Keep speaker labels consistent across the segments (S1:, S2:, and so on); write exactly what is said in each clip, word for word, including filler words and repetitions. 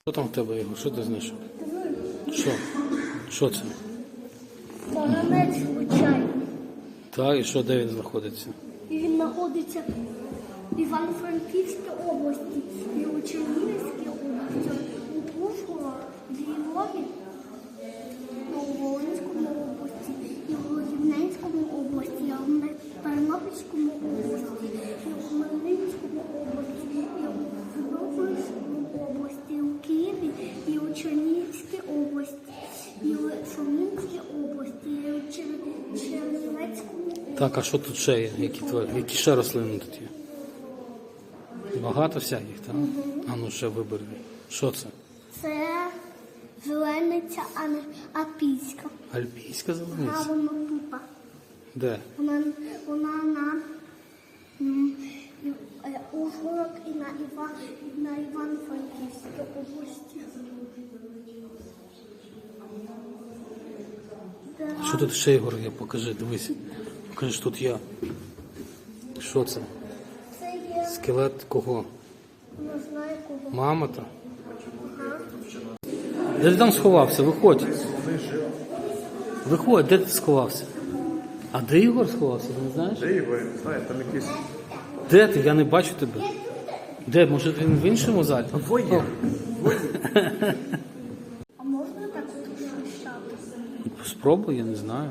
S1: Що там в тебе, Ігор? Що ти знайшов? Що? Що це?
S2: Поганець звичайний.
S1: Так, і що, де він знаходиться?
S2: І він знаходиться в Івано-Франківській області, і у Чернігівській області, у Ужгороді, в Львові, у Волинському області, і у Рівненському області, і в Тернопільському області, і у Хмельницькому області, і у Тернопільському області, і у Києві, і у Чернігівській області, і у Сумській області, і у Чер- Чернівецькому області.
S1: Так, а що тут ще є? Які, тварі? Які ще рослини тут є? Багато всяких, так? А ну ще вибери. Що це?
S2: Це зелениця, а не апійська.
S1: Альпійська
S2: А
S1: зелениця?
S2: вона тупа.
S1: Де?
S2: Вона, вона на м, і- е, Ужгород і на, Іва, і на Івано-Франківській області.
S1: А що тут ще, Ігор, є? Покажи, дивись. Покажи, що тут є. Що це?
S2: Це є,
S1: Скелет кого?
S2: не знаю кого.
S1: Мамота? Де ти там сховався? Виходь. Виходь, де ти сховався? А де Ігор сховався, ти не знаєш?
S3: Де Ігор? Не знаю, там якісь...
S1: Де ти? Я не бачу тебе. Де? Може він в іншому залі?
S3: Двоє.
S2: А можна так шищати?
S1: Спробуй, я не знаю.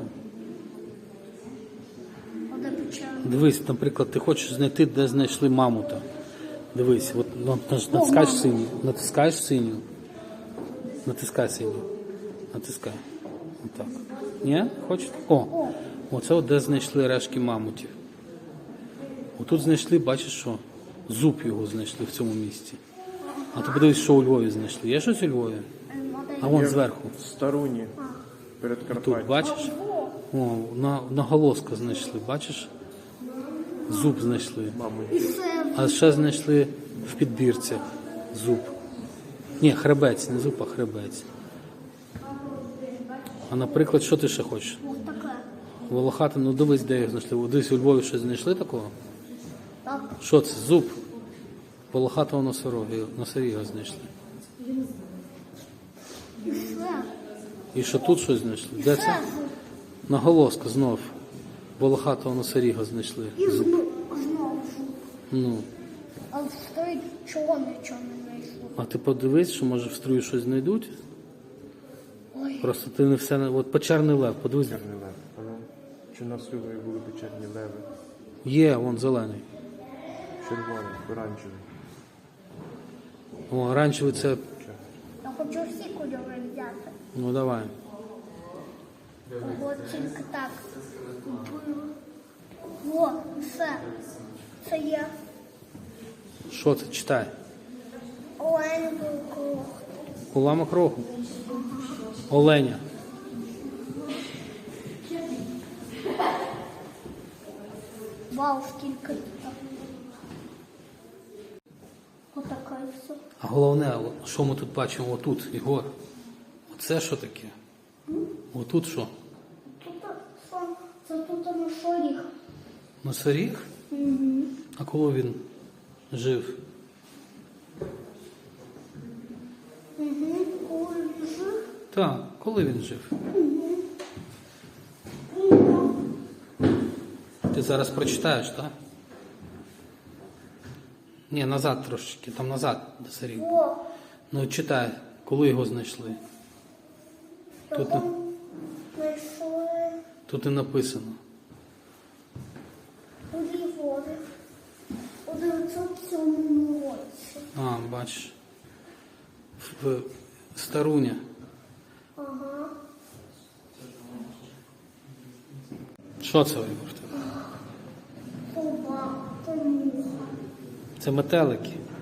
S2: Оде печерна.
S1: Дивись, наприклад, ти хочеш знайти, де знайшли мамута. Дивись, от ну, наж- натискаєш синю, натискаєш синю. Натискай синю. Натискай. Отак. Ні? Хочеш? О! Оце от де знайшли рештки мамутів. Отут знайшли, бачиш що? Зуб його знайшли в цьому місці. А ти подивись, що у Львові знайшли. Є щось у Львові? А вон зверху.
S3: Старуні. Перед
S1: Тут,
S3: Карпаттям.
S1: бачиш? О, на, наголоска знайшли, бачиш? Зуб знайшли.
S2: І це
S1: А ще знайшли в підбірцях зуб. Ні, хребець, не зуб, а хребець. А наприклад, що ти ще хочеш?
S2: ось таке.
S1: Волохати, ну дивись, де їх знайшли. Дивись, у Львові щось знайшли такого?
S2: Так.
S1: Що це? Зуб. Волохатого носорога, носоріга знайшли.
S2: І це.
S1: І що тут щось знайшли? Де це? Наголоска знов. Волохатого носоріга знайшли.
S2: І
S1: Зуб.
S2: знову, знову.
S1: Ну.
S2: А в стрій чого нічого не знайшло?
S1: А ти подивись, що може в струю щось знайдуть?
S2: Ой.
S1: Просто ти не все... не- От печерний лев, подивись.
S3: Чорний лев. Ага. Чи на Сливої були печерні леви?
S1: Є, вон зелений.
S3: Червоний, оранжевий.
S1: О, оранжевий це...
S2: Я хочу всі кольори взяти.
S1: Ну давай.
S2: От тільки так. О, все. Це є
S1: Що це? Читай.
S2: оленький круг.
S1: Уламок рогу. Оленя.
S2: Вау, скільки тут. Отака і все.
S1: А головне, о, що ми тут бачимо отут, Ігор? Оце що таке? Отут що?
S2: Тут сон, це тут на шоріх.
S1: Носоріг?
S2: Угу.
S1: А коли він жив?
S2: Угу. Коли він жив,
S1: Так, коли він жив? Ти зараз прочитаєш, так? Ні, назад трошечки, там назад носоріг.
S2: о,
S1: Ну читай, коли його знайшли. Тут, на-
S2: його знайшли
S1: тут і написано.
S2: у Львові у дев'ятсот сьомому році.
S1: А, бачиш. В Старуня.
S2: Ага.
S1: Що це, Ігор? в тебе?
S2: Собака, муха.
S1: Це метелики.